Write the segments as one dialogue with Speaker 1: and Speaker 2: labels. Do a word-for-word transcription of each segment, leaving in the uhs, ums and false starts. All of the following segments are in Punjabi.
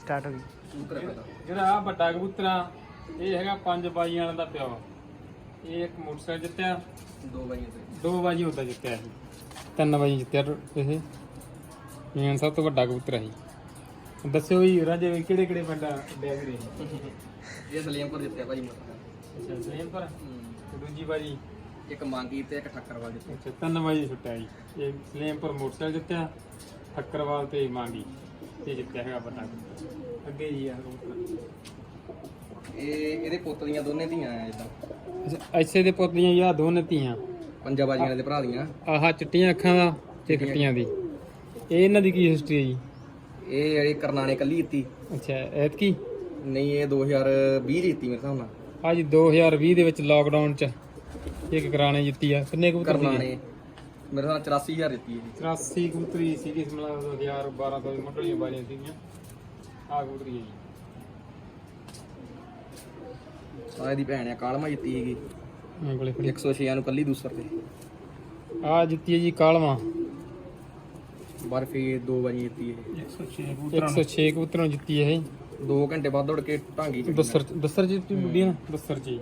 Speaker 1: ਸਟਾਰਟ ਹੋ ਗਈ।
Speaker 2: ਜਿਹੜਾ ਆ ਵੱਡਾ ਕਬੂਤਰਾ ਇਹ ਹੈਗਾ ਪੰਜ ਬਾਈਆਂ ਵਾਲਾ ਦਾ ਪਿਓ। ਇਹ ਇੱਕ ਮੋਟਰਸਾਈਕਲ ਜਿੱਤਿਆ,
Speaker 3: ਦੋ ਬਾਈਆਂ ਤੇ
Speaker 2: ਦੋ ਬਾਜੀ ਹੁੰਦਾ ਜਿੱਤਿਆ ਇਹ, ਤਿੰਨ ਬਾਜੀ ਜਿੱਤਿਆ ਇਹ ਮੇਨ ਸਭ ਤੋਂ ਵੱਡਾ ਕਬੂਤਰ ਸੀ। ਦੱਸਿਓ ਜੀ ਰਾਜੇ ਵੀ ਕਿਹੜੇ ਕਿਹੜੇ ਪਿੰਡ ਡੈਗ ਰਹੇ?
Speaker 3: ਇਹ ਸਲੀਮਪੁਰ ਜਿੱਤਿਆ ਭਾਜੀ ਮੋਟਰ।
Speaker 2: ਅੱਛਾ ਸਲੀਮਪੁਰ। ਤੇ ਦੂਜੀ ਬਾਜੀ
Speaker 3: ਇੱਕ ਮੰਗੀ ਤੇ ਇੱਕ ਠੱਕਰਵਾਲ ਜਿੱਤਿਆ।
Speaker 2: ਅੱਛਾ ਤਿੰਨ ਬਾਜੀ ਛੁੱਟਿਆ ਜੀ। ਇਹ ਸਲੀਮਪੁਰ ਮੋਟਰਸਾਈਕਲ ਜਿੱਤਿਆ, ਠੱਕਰਵਾਲ ਤੇ ਮਾਂਗੀ ਇਹ ਜਿੱਤਿਆ ਹੈਗਾ ਵੱਡਾ ਕਬੂਤਰ। ਅੱਗੇ ਜੀ ਆ ਕਬੂਤਰ
Speaker 3: ਇਹ ਇਹਦੇ ਪੁੱਤ ਦੀਆਂ ਦੋਨੇ ਧੀਆਂ ਆ ਜਿੱਦਾਂ।
Speaker 2: ਅੱਛਾ ਐਸੇ ਦੇ ਪੁੱਤ ਦੀਆਂ ਯਾ ਦੋਨੇ ਧੀਆਂ,
Speaker 3: ਪੰਜਾਂ ਬਾਜੀਆਂ ਦੇ ਭਰਾ ਦੀਆਂ।
Speaker 2: ਆਹ ਚਿੱਟੀਆਂ ਅੱਖਾਂ ਦਾ ਤੇ ਖੱਟੀਆਂ ਦੀ। ਇਹ ਇਹਨਾਂ ਦੀ ਕੀ ਹਿਸਟਰੀ ਹੈ ਜੀ?
Speaker 3: ਇਹ ਜਿਹੜੀ ਕਰਨਾਣੇ ਕੱਲੀ ਜਿੱਤੀ।
Speaker 2: ਅੱਛਾ ਐਤਕੀ
Speaker 3: ਨਹੀਂ ਇਹ ਦੋ ਹਜ਼ਾਰ ਵੀਹ ਦੀ ਜਿੱਤੀ ਮੇਰੇ ਹਿਸਾਬ ਨਾਲ।
Speaker 2: ਅੱਜ ਦੋ ਹਜ਼ਾਰ ਵੀਹ ਦੇ ਵਿੱਚ ਲਾਕਡਾਊਨ ਚ ਇੱਕ ਕਰਾਣੇ ਜਿੱਤੀ ਆ। ਕਿੰਨੇ ਕਬੂਤਰ ਸੀਗੇ?
Speaker 3: ਕਰਨਾਣੇ ਮੇਰੇ ਹਿਸਾਬ ਨਾਲ ਚੁਰਾਸੀ ਹਜ਼ਾਰ ਜਿੱਤੀ ਇਹ।
Speaker 2: ਚੁਰਾਸੀ ਕਬੂਤਰੀ ਸੀਗੀ ਮਤਲਬ ਦੋ ਹਜ਼ਾਰ ਬਾਰਾਂ ਤੋਂ ਮੁੱਢਲੀਆਂ ਬਾਰੀਆਂ ਸੀਗੀਆਂ। ਆਹ ਕਬੂਤਰੀ ਹੈ ਜੀ।
Speaker 3: ਆਹ ਇਹਦੀ ਭੈਣ ਆ ਕਾਲਮਾ ਜਿੱਤੀ ਹੈਗੀ
Speaker 2: ਮੇਰੇ ਕੋਲੇ ਖੜੀ।
Speaker 3: ਇੱਕ ਸੌ ਛੇ ਨੂੰ ਕੱਲੀ ਦੂਸਰ ਤੇ।
Speaker 2: ਆਹ ਜਿੱਤੀ ਹੈ ਜੀ ਕਾਲਵਾ
Speaker 3: ਬਰਫੀ ਦੋ ਵਾਰੀ ਜਿੱਤੀ ਇਹ।
Speaker 2: ਇੱਕ ਸੌ ਛੇ ਕਬੂਤਰਾਂ ਨੂੰ ਜਿੱਤੀ ਇਹ।
Speaker 3: ਦੋ ਘੰਟੇ ਬਾਅਦ ਦੌੜ ਕੇ ਢਾਂਗੀ ਚ
Speaker 2: ਦਸਰ ਦਸਰ ਜਿੱਤੀ ਬੁੱਢੀ ਨਾ ਦਸਰ ਜੀ।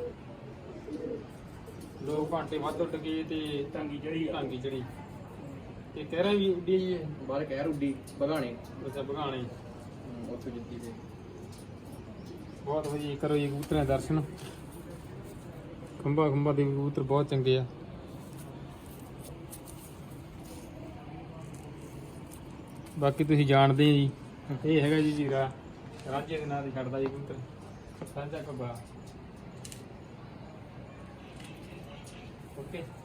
Speaker 2: ਦੋ ਘੰਟੇ ਵੱਧ ਉੱਡ ਗਏ ਤੇ ਟਾਂਗੀ ਚੜੀ ਟਾਂਗੀ ਚੜੀ ਤੇ ਕਹਿਰਾ ਵੀ ਉੱਡੀ ਜੀ।
Speaker 3: ਬਾਹਰ ਕਹਿਰ ਉੱਡੀ ਬਗਾਣੇ
Speaker 2: ਅੱਛਾ ਬਗਾਣੇ
Speaker 3: ਉੱਥੇ ਜਿੱਤੀ ਤੇ।
Speaker 2: ਬਹੁਤ ਵਧੀਆ ਕਰੋ ਜੀ ਕਬੂਤਰਾਂ ਦੇ ਦਰਸ਼ਨ। ਖੰਭਾ ਖੰਭਾ ਦੇ ਕਬੂਤਰ ਬਹੁਤ ਚੰਗੇ ਆ। ਬਾਕੀ ਤੁਸੀਂ ਜਾਣਦੇ ਜੀ ਇਹ ਹੈਗਾ ਜੀ ਜੀਰਾ ਰਾਜੇ ਦੇ ਨਾਂ ਤੇ ਛੱਡਦਾ ਜੀ ਕਬੂਤਰ ਸਾਂਝਾ ਕੱਬਾ। ਓਕੇ।